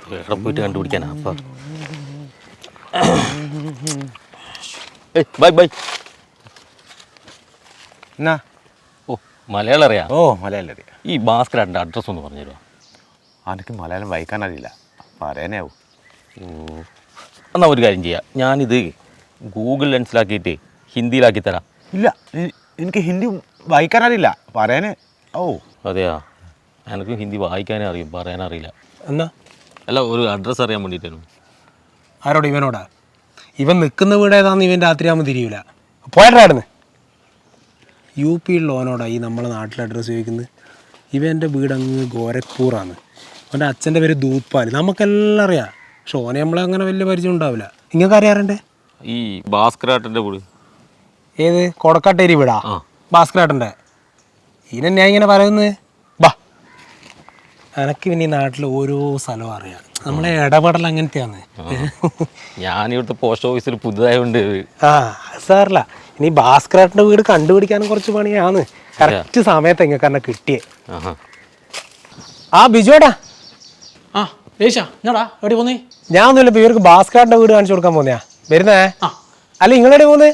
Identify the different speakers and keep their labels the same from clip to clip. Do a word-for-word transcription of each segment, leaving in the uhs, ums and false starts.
Speaker 1: എവിടെ പോയിട്ട് കണ്ടുപിടിക്കാനാ അപ്പം ബൈ ബൈ
Speaker 2: എന്നാ
Speaker 1: ഓ മലയാളം അറിയാം.
Speaker 2: ഓ മലയാളം അറിയാം.
Speaker 1: ഈ ഭാസ്കരേട്ടൻ്റെ അഡ്രസ്സ് ഒന്ന് പറഞ്ഞു തരുമോ?
Speaker 2: എനിക്ക് മലയാളം വായിക്കാൻ അറിയില്ല, പറയാനാവും.
Speaker 1: ഓ എന്നാൽ ഒരു കാര്യം ചെയ്യാം, ഞാനിത് ഗൂഗിൾ ലെൻസിലാക്കിയിട്ട് ഹിന്ദിയിലാക്കി തരാം.
Speaker 2: ഇല്ല, എനിക്ക് ഹിന്ദി വായിക്കാൻ അറിയില്ല, പറയാനേ. ഓ
Speaker 1: അതെയാ, എനിക്ക് ഹിന്ദി വായിക്കാനേ അറിയും, പറയാനറിയില്ല.
Speaker 3: എന്നാ
Speaker 1: അല്ല, ഒരു അഡ്രസ്സ് അറിയാൻ വേണ്ടിയിട്ടായിരുന്നു.
Speaker 3: ആരോട്? ഇവനോടാ? ഇവൻ നിൽക്കുന്ന വീട് ഏതാണെന്ന് ഇവൻ രാത്രിയാകുമ്പോൾ തിരിയില്ല. പോയിട്ടായിരുന്നു യു പിയിലുള്ളവനോടാ ഈ നമ്മളെ നാട്ടിലെ അഡ്രസ്സ് ചോദിക്കുന്നത്. ഇവൻ്റെ വീട് അങ്ങ് ഗോരഖ്പൂറാണ്. അവൻ്റെ അച്ഛൻ്റെ പേര് ദൂത്പാൽ. നമുക്കെല്ലാം അറിയാം, പക്ഷെ ഓനെ നമ്മളെ അങ്ങനെ വലിയ പരിചയം ഉണ്ടാവില്ല. നിങ്ങൾക്ക് അറിയാറുണ്ടേ
Speaker 1: ഈ ഭാസ്കരേട്ടൻ്റെ വീട്
Speaker 3: ഏത്? കൊടക്കാട്ടേരി വീടാ ഭാസ്കരേട്ടൻ്റെ. ഇതിനെ ഞാൻ ഇങ്ങനെ പറയുന്നത്. ബാ, എനക്ക് പിന്നെ ഈ നാട്ടിൽ ഓരോ സ്ഥലവും അറിയാം. നമ്മളെ ഇടപെടൽ അങ്ങനത്തെയാണ്.
Speaker 1: ഞാനിവിടുത്തെ പോസ്റ്റ് ഓഫീസിൽ പുതുതായതുകൊണ്ട്
Speaker 3: ആ സാറില്ല. ഇനി ഭാസ്കരേട്ടൻ്റെ വീട് കണ്ടുപിടിക്കാനും കുറച്ച് പണിയാണ്. കറക്റ്റ് സമയത്ത് എങ്ങനെ കാരണം കിട്ടിയേ. ആ ബിജുവേട്ടാ.
Speaker 4: ആ ദേശാ ഞാടാ എവിടെ പോന്നേ?
Speaker 3: ഞാൻ ഒന്നുമില്ല, ഇപ്പൊ ഇവർക്ക് ഭാസ്കരേട്ടൻ്റെ വീട് കാണിച്ചു കൊടുക്കാൻ പോന്നെയാ. വരുന്നേ? അല്ല നിങ്ങളെവിടെ പോന്ന്?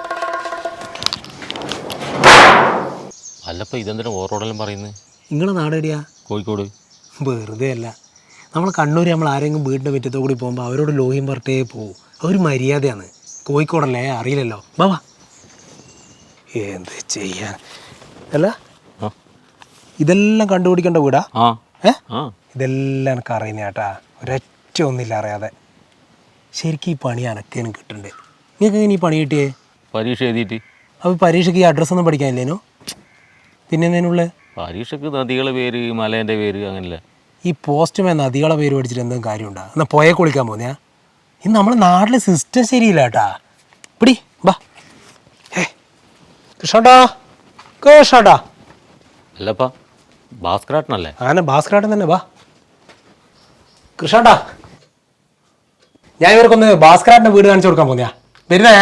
Speaker 1: അല്ലപ്പോൾ ഇതെന്തിനാ ഓരോടെല്ലാം പറയുന്നത്?
Speaker 3: നിങ്ങളെ നാടെടിയാ?
Speaker 1: കോഴിക്കോട്.
Speaker 3: വെറുതെ അല്ല, നമ്മൾ കണ്ണൂർ നമ്മൾ ആരെങ്കിലും വീടിൻ്റെ മുറ്റത്തോ കൂടി പോകുമ്പോൾ അവരോട് ലോഹിയും പറഞ്ഞേ പോകും. അതൊരു മര്യാദയാണ്. കോഴിക്കോടല്ലേ, അറിയില്ലല്ലോ. ബാബാ, എന്ത് ചെയ്യാൻ. അല്ല ഇതെല്ലാം കണ്ടുപിടിക്കേണ്ട വീടാ? ഏ ഇതെല്ലാം എനിക്ക് അറിയുന്ന ചേട്ടാ, ഒരൊറ്റ ഒന്നില്ല അറിയാതെ. ശരിക്കും ഈ പണി അനക്കേനും കിട്ടണ്ടേ. നിങ്ങൾക്ക് എങ്ങനെ ഈ പണി കിട്ടിയേ?
Speaker 1: പരീക്ഷ എഴുതിയിട്ട്.
Speaker 3: അപ്പോൾ പരീക്ഷയ്ക്ക് ഈ അഡ്രസ്സൊന്നും പഠിക്കാനില്ലേനോ? പിന്നെ എന്തിനുള്ള
Speaker 1: പരീക്ഷയ്ക്ക് നദികളെ പേര്, മലേൻ്റെ പേര്, അങ്ങനല്ല.
Speaker 3: ഈ പോസ്റ്റ്മേ നദികളെ പേര് പഠിച്ചിട്ട് എന്തെങ്കിലും കാര്യമുണ്ടോ? എന്നാൽ പുഴ കുളിക്കാൻ പോകുന്നയാ? ഇന്ന് നമ്മുടെ നാട്ടിലെ സിസ്റ്റം ശരിയില്ല കേട്ടാ. പിടി ബാ. ഏ കൃഷ്ണട്ടാ, കൃഷ്ണട്ടാ.
Speaker 1: അല്ലപ്പാ, ഭാസ്കരേട്ടനല്ലേ?
Speaker 3: ആന ഭാസ്കരേട്ടൻ തന്നെ. വാ കൃഷ്ണട്ടാ, ഞാൻ ഇവർക്കൊന്ന് ഭാസ്കരേട്ടൻ്റെ വീട് കാണിച്ചു കൊടുക്കാൻ പോകുന്നയാ. വരുന്നേ?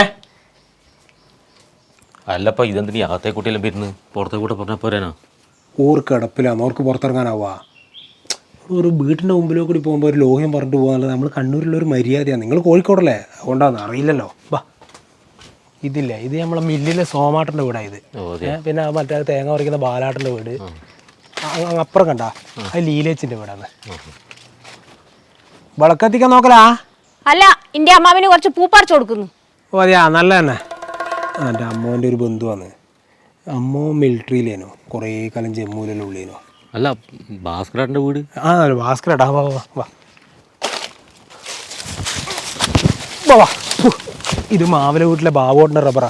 Speaker 1: അല്ലപ്പാ, ഇതെന്തിനീ അകത്തെ കുട്ടിയെല്ലാം വരുന്നത്? പുറത്തെ കൂടെ പറഞ്ഞാൽ പോരാനാ?
Speaker 3: ഓർക്ക് കിടപ്പില്ലാന്ന്, ഓർക്ക് പുറത്തിറങ്ങാനാവാ. ഒരു വീട്ടിൻ്റെ മുമ്പിലോ കൂടി പോകുമ്പോൾ ഒരു ലോഹ്യം പറഞ്ഞിട്ട് പോകാന്നുള്ളത് നമ്മൾ കണ്ണൂരിലുള്ളൊരു മര്യാദയാണ്. നിങ്ങൾ കോഴിക്കോടല്ലേ, അതുകൊണ്ടാണ് അറിയില്ലല്ലോ. വാ, ഇതില്ലേ, ഇത് നമ്മളെ മില്ലിലെ സോമാട്ടൻ്റെ വീടാണ് ഇത്. പിന്നെ മറ്റേ തേങ്ങ പറിക്കുന്ന ബാലാട്ടൻ്റെ വീട് അപ്പുറം കണ്ടാ, അത് ലീലേച്ചിൻ്റെ വീടാണ്. വിളക്കത്തിക്കാൻ നോക്കലാ?
Speaker 5: അല്ല, എൻ്റെ അമ്മാവിന് കുറച്ച് പൂ പറിച്ചു കൊടുക്കുന്നു.
Speaker 3: ഓ അതെയാ, നല്ല തന്നെ. എൻ്റെ അമ്മോൻ്റെ ഒരു ബന്ധുവാണ്. അമ്മോ മിലിറ്ററിയിലേനോ, കുറേ കാലം ജമ്മുവിലെല്ലാം ഉള്ളേനോ.
Speaker 1: അല്ല, ഭാസ്കരേട്ടൻ്റെ വീട്?
Speaker 3: ആ ഭാസ്കരേട്ടാ. വാ വാ വാ വാ വാ. ഇത് മാവിലെ വീട്ടിലെ ബാബോട്ടിൻ്റെ റബ്ബറാ.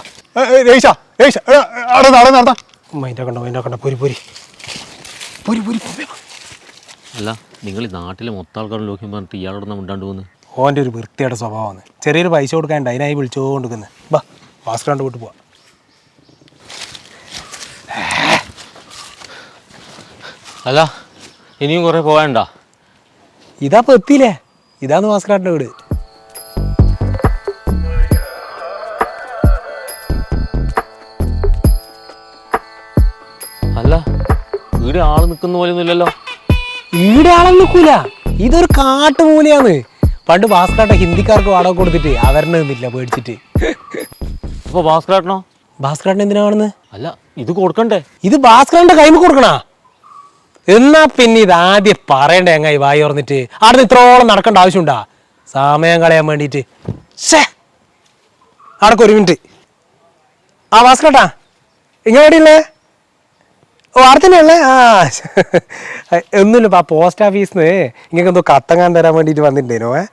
Speaker 3: മൈൻഡാ കണ്ടോ, മൈൻഡാ കണ്ടോ. പൊരി പൊരി പൊരി പൊരി.
Speaker 1: അല്ല, നിങ്ങൾ ഈ നാട്ടിലെ മൊത്തം ആൾക്കാരും ലോഹ്യം പറഞ്ഞിട്ട് ഇയാളോട് നമ്മൾ ഉണ്ടാണ്ട് പോകുന്നത്?
Speaker 3: ഓൻ്റെ ഒരു വൃത്തിയുടെ സ്വഭാവമാണ്. ചെറിയൊരു പൈസ കൊടുക്കാനുണ്ട്, അതിനായി വിളിച്ചുകൊണ്ടിരിക്കുന്നത്. ബാ, ഭാസ്കരേട്ടൻ്റെ വീട്ടിൽ പോവാ.
Speaker 1: അല്ല, ഇനിയും കുറേ പോകാനുണ്ടോ?
Speaker 3: ഇതാ ഇപ്പോൾ എത്തിയില്ലേ, ഇതാന്ന് ഭാസ്കരേട്ടൻ്റെ വീട്.
Speaker 1: അല്ല, വീട് ആള് നിൽക്കുന്ന പോലെ ഒന്നുമില്ലല്ലോ.
Speaker 3: ഈടെ ആളെ നിൽക്കൂല, ഇതൊരു കാട്ടുമൂലയാണ്. പണ്ട് ഭാസ്കരേട്ട ഹിന്ദിക്കാർക്ക് വാടക കൊടുത്തിട്ട് അവരുടെ നിന്നില്ല പേടിച്ചിട്ട്.
Speaker 1: അപ്പോൾ ഭാസ്കരേട്ടനോ?
Speaker 3: ഭാസ്കരേട്ടൻ എന്തിനാ കാണുന്നത്?
Speaker 1: അല്ല, ഇത് കൊടുക്കണ്ടേ?
Speaker 3: ഇത് ഭാസ്കരേട്ടൻ്റെ കൈമ കൊടുക്കണാ? എന്നാ പിന്നെ ഇത് ആദ്യം പറയണ്ടേ എങ്ങായി വായി ഓർന്നിട്ട്? അവിടെ ഇത്രോളം നടക്കേണ്ട ആവശ്യമുണ്ടാ സമയം കളയാൻ വേണ്ടിയിട്ട്? ഷേ, അവിടക്ക് ഒരു മിനിറ്റ്. ആ ഭാസ്കരേട്ടാ, ഇങ്ങനെ എവിടെയുള്ളേ? ഓ അവിടെ തന്നെയുള്ളേ? ആ ഒന്നുമില്ല, ആ പോസ്റ്റ് ഓഫീസിൽ നിന്ന് ഇങ്ങനെ എന്തോ കത്തങ്ങാൻ തരാൻ വേണ്ടിയിട്ട് വന്നിട്ടുണ്ടേനോ. ഏ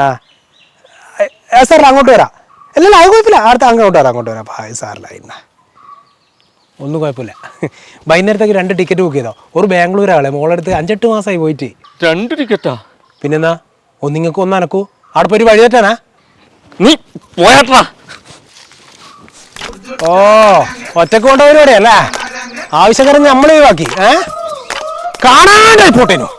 Speaker 3: ആ സാർ അങ്ങോട്ട് വരാം. അല്ലല്ല, അത് കുഴപ്പമില്ല, അടുത്ത അങ്ങോട്ട് വരാം, അങ്ങോട്ട് വരാം. ഹായ് സാറില്ല, ഇന്ന ഒന്നും കുഴപ്പമില്ല. വൈകുന്നേരത്തേക്ക് രണ്ട് ടിക്കറ്റ് ബുക്ക് ചെയ്തോ. ഒരു ബാംഗ്ലൂരാളെ മോളെടുത്ത് അഞ്ചെട്ട് മാസമായി പോയിട്ട്.
Speaker 1: രണ്ട് ടിക്കറ്റാ?
Speaker 3: പിന്നെന്നാ, ഒന്നിങ്ങക്ക് ഒന്നനക്കൂ. അവിടെ പോയി വഴി തെറ്റാനാ?
Speaker 1: നീ പോയാട്ടാ.
Speaker 3: ഓ, ഒറ്റക്ക് കൊണ്ടവരോടെ അല്ലേ? ആവശ്യക്കാരൻ നമ്മൾ ഒഴിവാക്കി. ഏ കാണാനായി പോട്ടേനു.